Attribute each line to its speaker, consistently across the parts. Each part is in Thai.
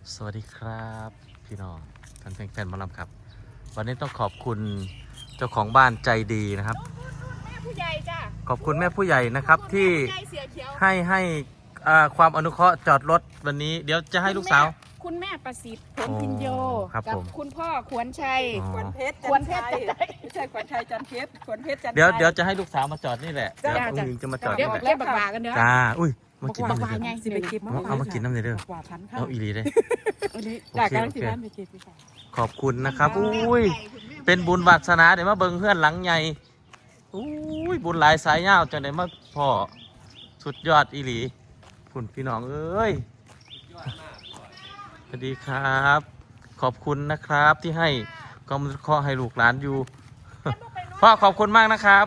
Speaker 1: สวัสดีครับพี่น้องท่านแฟนๆหมอลำครับวันนี้ต้องขอบคุณเจ้าของบ้านใจดีนะครับ
Speaker 2: แม่ผู้ใหญ่จ้ะ
Speaker 1: ขอบคุณแม่ผู้ใหญ่นะครับที่ให้ความอนุเคราะห์จอดรถวันนี้เดี๋ยวจะให้ลูกสาว
Speaker 2: คุณแม่ประสิทธิ์ผลพินโย
Speaker 1: ครับ
Speaker 2: กั
Speaker 1: ผม
Speaker 2: คุณพ่อขวัญชัย
Speaker 1: อ๋อ
Speaker 3: ขวัญเพชร
Speaker 2: ขวัญเพชร
Speaker 3: ไม่ใช่ขวัญชัยจันทร์เพชรขวัญเพชรจันทร์
Speaker 1: เดี๋ยวจะให้ลูกสาวมาจอดนี่แหละเดี๋ยว
Speaker 2: จ้ะ
Speaker 1: อุ้งอิงจะมาจอด
Speaker 2: เดี๋ย
Speaker 1: นี่
Speaker 2: ว
Speaker 1: แหละ
Speaker 2: เล่นบักบากันเด้อ
Speaker 1: จ้าอุ้ยมากินน้ำ
Speaker 2: บัก
Speaker 1: เลย
Speaker 2: บาไง
Speaker 3: สิไปเก็บ
Speaker 1: เอามากินน้ำเลยเด้อ
Speaker 3: กว่าพันเข้า
Speaker 1: เอาอีหลีเลย
Speaker 3: อันนี้
Speaker 1: โอเค
Speaker 3: จากการที่
Speaker 1: โอเค
Speaker 3: ร้านไปเก็บไปก่อน
Speaker 1: ขอบคุณนะครับอุ้ยเป็นบุญวาสนาเดี๋ยวมาเบิ่งเพื่อนหลังใหญ่อุ้ยบุญหลายสายยาวจังได้มาพ่อสุดยอดอีหลีคุณพี่น้องเอ้ยสวัสดีครับ ขอบคุณนะครับที่ให้ความรู้เคราะห์ให้ลูกหลานอยู่ พ่อขอบคุณมากนะครับ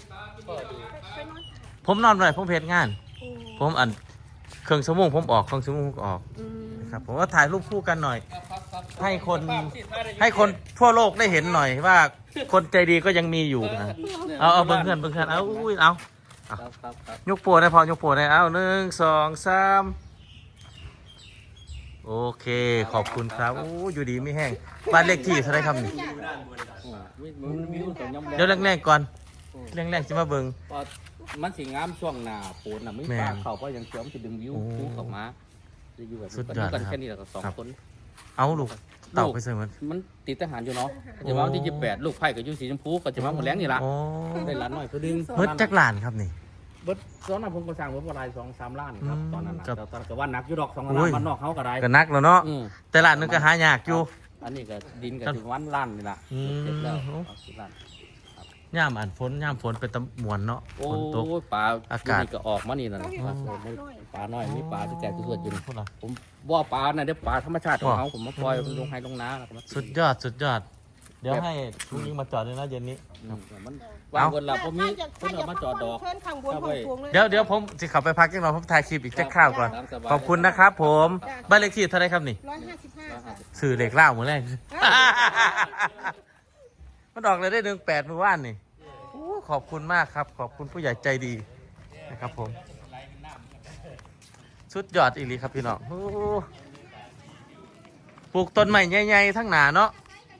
Speaker 1: ผมนอนหน่อยผมเพจงาน ผมอันเครื่องสมองผมออกเครื่องสมองผมออกนะครับผมว่าถ่ายรูปคู่กันหน่อย ให้คนทั่วโลกได้เห็นหน่อยว่าคนใจดีก็ยังมีอยู่นะเอาเบิ่งเพื่อนเอาอุ้ยเอายกโปรได้พอยกโปรได้เอา1 2 3โอเคขอบคุณครับโอ้อยู่ดีไม่แห้งบ้านเลขที่เท่าไรครับนี่เดี๋ยวแรกๆก่อนแรกๆจะมาเบิ่ง
Speaker 4: มันสิงามช่วงหน้าฝนน่ะไม่
Speaker 1: แม่
Speaker 4: ปลาเขาเพราะยังเชื่อมนจะดึงวิว
Speaker 1: โอ้
Speaker 4: คู่เข้ามาจะอยู่แบบ
Speaker 1: สุดยอด
Speaker 4: กัน
Speaker 1: นะครับ
Speaker 4: แค่นี้แหละก็สอง
Speaker 1: ครับ
Speaker 4: คน
Speaker 1: เอาลูกเต่าไปใส่มัน
Speaker 4: มันติดทหารอยู่เนาะจะมาวันที่28ลูกไผ่กับยูสีชมพูก็จะมาหมดแรงนี่ละ
Speaker 1: โอ้
Speaker 4: ได้ล้านหน่อยคือดึง
Speaker 1: เบิดจักรลานครับนี่
Speaker 4: เบิดตอนนั้นผมก็สร้างเบิดประมาณ2-3 ล้านครับตอนนั้นน่ะ
Speaker 1: ครับ
Speaker 4: แต่ตอนก็ว่านักอยู่ดอก2
Speaker 1: โอ้
Speaker 4: ล้าย นมันนอกเขาก็ได้
Speaker 1: ก็นักแล้วเนาะ
Speaker 4: อืม
Speaker 1: แต่ร้านนึงก็หายากอยู่
Speaker 4: อันนี้ก็ดินก็ถึงวันล้านนี่ละ
Speaker 1: อืม
Speaker 4: เสร็จแล้วเอา10 ล้าน
Speaker 1: ย่ามอ่านฝนย่ามฝนเป็นตะมวนเนาะ
Speaker 4: โอ้
Speaker 1: ฝนตก
Speaker 4: ยปลา
Speaker 1: อากาศ
Speaker 4: นี่ก็ออกมานี่นั่น
Speaker 1: อ๋อ
Speaker 4: ปลาน้อยมีปลาที่แจกที่สุดอยู่นี่
Speaker 1: พูดเหรอ
Speaker 4: ผมว่าปลาน่ะเดี๋ยวปลาธรรมชาติของ
Speaker 1: ว้า
Speaker 4: เขาผมมาปล่อยมันลงให้ลงนาแล้วก็มา
Speaker 1: สุดยอดสุดยอด เดี๋ยวให้ลุงยิงมาจอดเลยนะเย็นนี้
Speaker 4: อืมมันวางบนหลับผมมีคนเอามาจอดดอก
Speaker 2: เพิ่นข้างบนของพวงเลย
Speaker 1: เดี๋ยวผมสิขับไปพักจังหน่อยผมถ่ายคลิปอีกแค่คราวก่อน
Speaker 4: ตามสบาย
Speaker 1: ขอบคุณนะครับผมบ้านเลขที่เท่าไรครับนี่
Speaker 2: 155ค่ะ
Speaker 1: สื่อเหล็กเล่ามือแรก มันออกเลยได้18มือว่านนี่โอ้ขอบคุณมากครับ ขอบคุณผู้ใหญ่ใจดีนะครับผมสุดยอดอีหลีครับพี่น้องโอ้ปลูกต้นใหม่ใหญ่ๆทั้งหนาเนาะ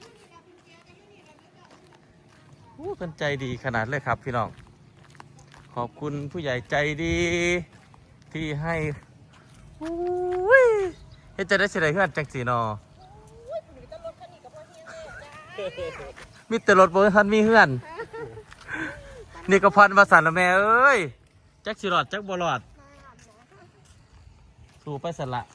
Speaker 1: โอ้เป็นใจดีขนาดเลยครับพี่น้องขอบคุณผู้ใหญ่ใจดีที่ให้โอ้ยเฮ็ดจะได้เสียดายเพื่อนจังสีนอมีแต่รถบนทันมีเฮือน นี่ก็พันวาสันละแม่เอ้ยจักสิรอดจักบ่รอดสู่ไปสันละ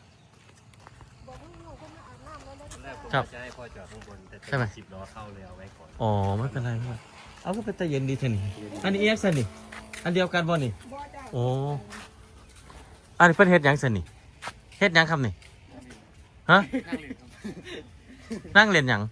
Speaker 1: ครับ
Speaker 5: จะให้พ่อจอดข้างบนแต่
Speaker 1: ใช่ไหม
Speaker 5: 10 ล้อเข้าเลยเอาไว้ก่อน
Speaker 1: อ๋อไม่เป็นไรเพื่อนเอาก็เป็นตะเย็นดีเทนี่อันนี้เอ็กซ์นี่อันเดียวกันบ่นี่โอ้อันนี้เป็นเฮ็ดหยังสันนี่เฮ็ดหยังครับนี่ฮะนั่งเล่นหยัง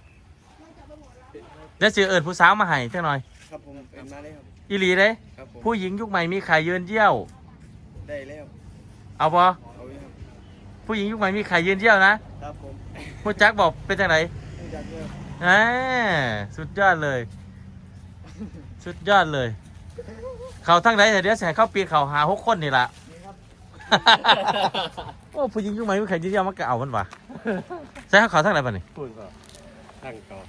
Speaker 1: เดี๋ยวสิเอิญผู้สาวมาให้จังหน่อย
Speaker 6: ครับผมเป็นมาเลยครับ
Speaker 1: อีหลีเลย
Speaker 6: ครับผม
Speaker 1: ผู้หญิงยุคใหม่มีไข่ยืนเยี่ยว
Speaker 6: ได้แล้ว
Speaker 1: เอาบ่
Speaker 6: เอาอยู่ครับ
Speaker 1: ผู้หญิงยุคใหม่มีไข่ยืนเยี่ยวนะครับ
Speaker 6: ผม
Speaker 1: ผู้จักบอกเป็นจังไหน
Speaker 6: ไม่อยากเลิก
Speaker 1: อ่าสุดยอดเลย สุดยอดเลย เขาทั้งไหนแต่เดี๋ยวแสเข้าปีนเขาหา6 คนนี่ล่ะ โอ้ผู้หญิงยุคใหม่มีไข่ยืนเยี่ยวมันก็เอามันวะใส่เขาทั้งไหนป่ะนี่
Speaker 5: พูดก็ตั้งก่อน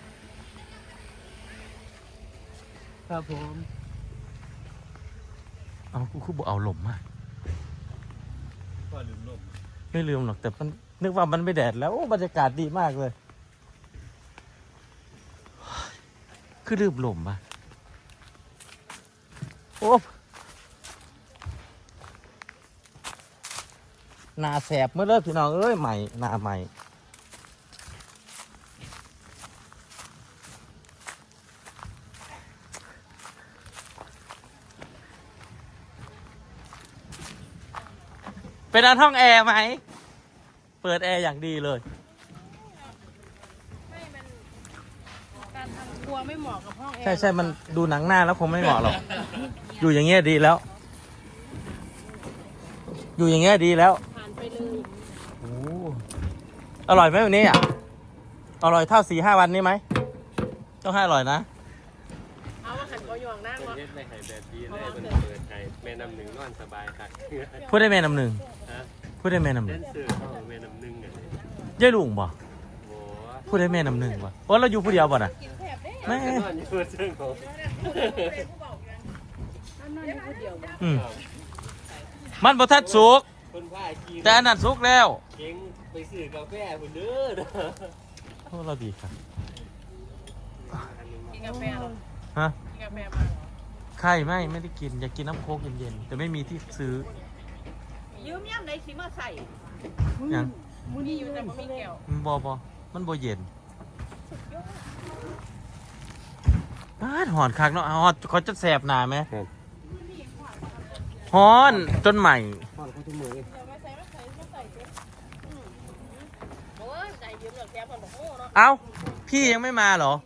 Speaker 4: ครับผม
Speaker 1: เอากูคือบอกเอาหล่มมา
Speaker 5: ก็ลืมลม
Speaker 1: ไม่ลืมหรอกแต่มันนึกว่ามันไม่แดดแล้วโอ้บรรยากาศดีมากเลย คือลืมหล่มมาโอ้หน้าแสบเมื่อเลิกพี่น้องเอ้ยใหม่หน้าใหม่เป็นอันห้องแอร์ไหม เปิดแอร์อย่างดีเลย
Speaker 2: ไม่มันการทำครัวไม่เหมาะกับห้องแอร์
Speaker 1: ใช่มันดูหนังหน้าแล้วคงไม่เหมาะหรอก อยู่อย่างเงี้ยดีแล้ว อยู่อย่างเงี้ยดีแล้ว
Speaker 2: ผ่านไปเลย
Speaker 1: โอ้อร่อยไหมวันนี้อ่ะ อร่อยเท่า4-5 วันนี้ไหม ต้องให้อร่อยนะ
Speaker 2: เอามาขันกอยองนั่ง
Speaker 5: เป็น
Speaker 2: เนาะ
Speaker 5: เฮ็ดในไฮแบบดีเลยมันเปิดไฮแม่น้ำหนึ่งนอนสบายค่ะ
Speaker 1: พูดได้แม่น้ำหนึ่ง
Speaker 5: ฮะ
Speaker 1: พูดได้แม่น้ำห
Speaker 5: เล่
Speaker 1: นึ่ง
Speaker 5: นสื่อเข้าแม่น้ำหนึ่งอย่างนี้
Speaker 1: ยายลุงบ่
Speaker 5: โอ้
Speaker 1: พูดได้แม่น้ำหนึ่งบ่โอ้เราอยู่ผู้เดียวบ่น่ะ
Speaker 2: กินแถบเด้
Speaker 1: แม่
Speaker 5: นอนอยู่ซึ่งของ
Speaker 2: นั่นอยู่คนเดียวบ่
Speaker 1: อืมมันบ่ทันสุก
Speaker 5: คนพากิน
Speaker 1: แต่อันนั้นสุกแล้ว
Speaker 5: เก่งไปซื้อกาแฟคนเด้อ
Speaker 1: โอ้เราดีครับ
Speaker 2: กินกาแฟเหรอ
Speaker 1: ฮะ
Speaker 2: กินกาแฟมาเหรอ
Speaker 1: ไข่ไม่ได้กินอยากกินน้ำโค้กเย็นๆแต่ไม่มีที่ซื้อ
Speaker 3: ยืมย่ำไหนสิมาใส่
Speaker 1: หยัง
Speaker 2: มีอยู่แต่ไม่มีแก้ว
Speaker 1: มันบ่มันบ่เย็นหอนคักเนาะหอนเขาจะแสบหนาไหมหอนจนใหม่
Speaker 2: เดี๋ยวมาใส่เด้อโอ้ยใจยืมเหลือแก้วคนบอกโง่เนาะ
Speaker 1: เอ้าพี่ยังไม่มาเหรอ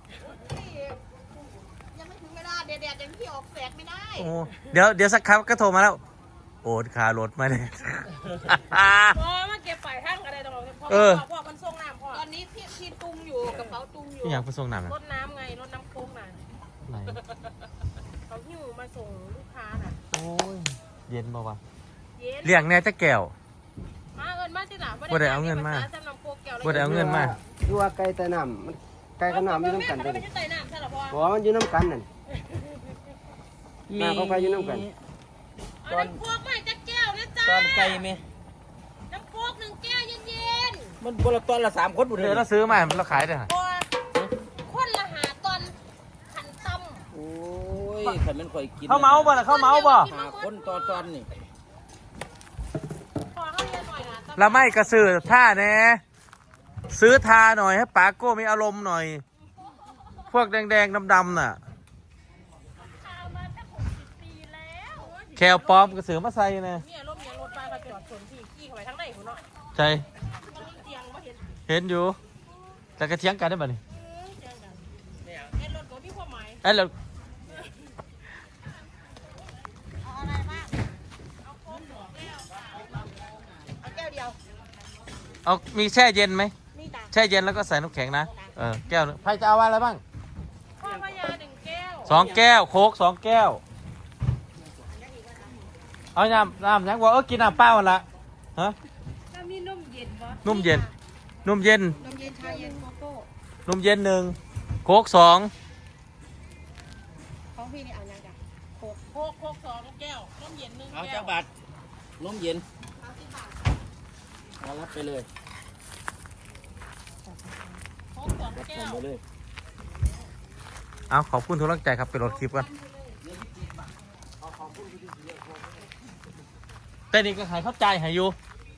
Speaker 3: ยังไม่ถึงเวลาแดดๆยังที่ออกแสกไม่ได้
Speaker 1: โอ้เดี๋ยวสักครั้งก็โทรมาแล้ว โอนคารถมาเลย
Speaker 2: พอมาเก็บปลายทางอะไรตรงนี้พ่อ
Speaker 1: เออ
Speaker 2: พ่อมันส่งน้ำพ่อ
Speaker 3: ตอนนี้พี่ตุงอยู่กระเป๋าตุงอยู่
Speaker 1: พี่อยากไปส่งน้ำนะ
Speaker 2: รถน้ำไงรถน้ำโค้งน่ะ
Speaker 1: ไหน
Speaker 2: เขาหิ้วมาส่งลูกค้าน่ะ
Speaker 1: โอ้ยเย็นบ่วะ
Speaker 2: เย็น
Speaker 1: เลี้ยงแน่จะแก้ว
Speaker 2: มาเอินมาที่หลัง
Speaker 1: บ่ได้เอาเงินมา
Speaker 2: จำนำโคกแก้ว
Speaker 1: บ่ได้เอาเงินมา
Speaker 6: ดูว่าไก่แต่น้ำมันไก่กับน้ำอยู่น้ำกัน
Speaker 2: เล
Speaker 6: เลย ย
Speaker 2: มันจะใส่น้ำใช่หรอพ่อ
Speaker 6: บอกว่ามันอยู่น้ำกันนั่นน้ำเขาไปอยู่น้ำกัน
Speaker 2: เอาน้ำโคกมาให้จักแก้วนะจ๊ะ
Speaker 4: ตอนไก่ไหม
Speaker 2: น้ำโคก1 แก้วเย็น
Speaker 4: มันคนละตอนละ3 คนบุญเล
Speaker 1: เดี๋ยวย เราซื้อมาเราขายได้หรอ
Speaker 2: ๆพ่อคนละหาตอนขันตำ
Speaker 4: โอ้ยขันมันข่อยกิน
Speaker 1: เข้าเมาบ่ล่ะเข้าเมาบ่
Speaker 4: หาคนตอนนี่
Speaker 2: พอเขาเรียนหน่อยนะ
Speaker 1: เราไม่กระสือท่าแน่ซื้อทาหน่อยให้ปาโก้มีอารมณ์หน่อย พวกแดงๆดำๆน่ะ
Speaker 2: ทามาตั้ง60 ปีแล้ว
Speaker 1: แคลปลอมกระสือมาใส่นะ
Speaker 2: เนี่ยรถเมียรถไฟก็จอดสวนที่ขี่เข้าไปทางไหนคุณเนาะ
Speaker 1: ใจ
Speaker 2: มันมีเตียงมาเห็น
Speaker 1: เห็นอยู่แต่กระเทียงกันได้ป่ะนี่
Speaker 2: เตียงกันเห็นรถก็มีความหมาย
Speaker 1: เอ้ยเรา
Speaker 2: เอาอะไรบ้างเอาโค้กหัวแก้วเอาแก้วเดียว
Speaker 1: เอามีแช่เย็นไหม
Speaker 2: นี่ตา
Speaker 1: แช่เย็นแล้วก็ใส่น้ำแข็งนะแก้วหนึ่งใครจะเอาอะไรบ้าง
Speaker 2: พ่อพญา1 แก้ว
Speaker 1: 2 แก้วโค้ก2 แก้วเอาน้ำยังบอกกินน้ำเปล่ามันละฮะ
Speaker 2: ถ้ามีนมเย็นบ่
Speaker 1: นุ่มเย็นนุ่มเย็น
Speaker 2: นมเย็นชาเย็นโกโก้
Speaker 1: นุ่มเย็น1โค้ก2
Speaker 2: ของพี่นี่เอายังจ้ะโคก2 แก้วนมเย็น1
Speaker 4: เอา
Speaker 2: แก้
Speaker 4: จั
Speaker 2: ว
Speaker 4: กบาทนมเย็นเอารับไปเลย
Speaker 2: โคก2 แก้ว
Speaker 4: ไปเลย
Speaker 1: เอาขอบคุณทุกกำลังใจครับไปรถคลิปกันแต่นี่ก็ขายเข้าใจหายอยู่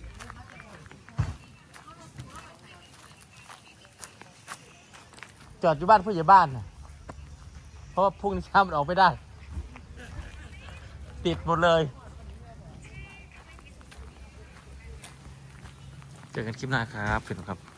Speaker 1: จอดอยู่บ้านผู้ใหญ่บ้านนะเพราะว่าพรุ่งนี้เช้ามันออกไม่ได้ ติดหมดเลย เจอกันคลิปหน้าครับเพื่อนครับ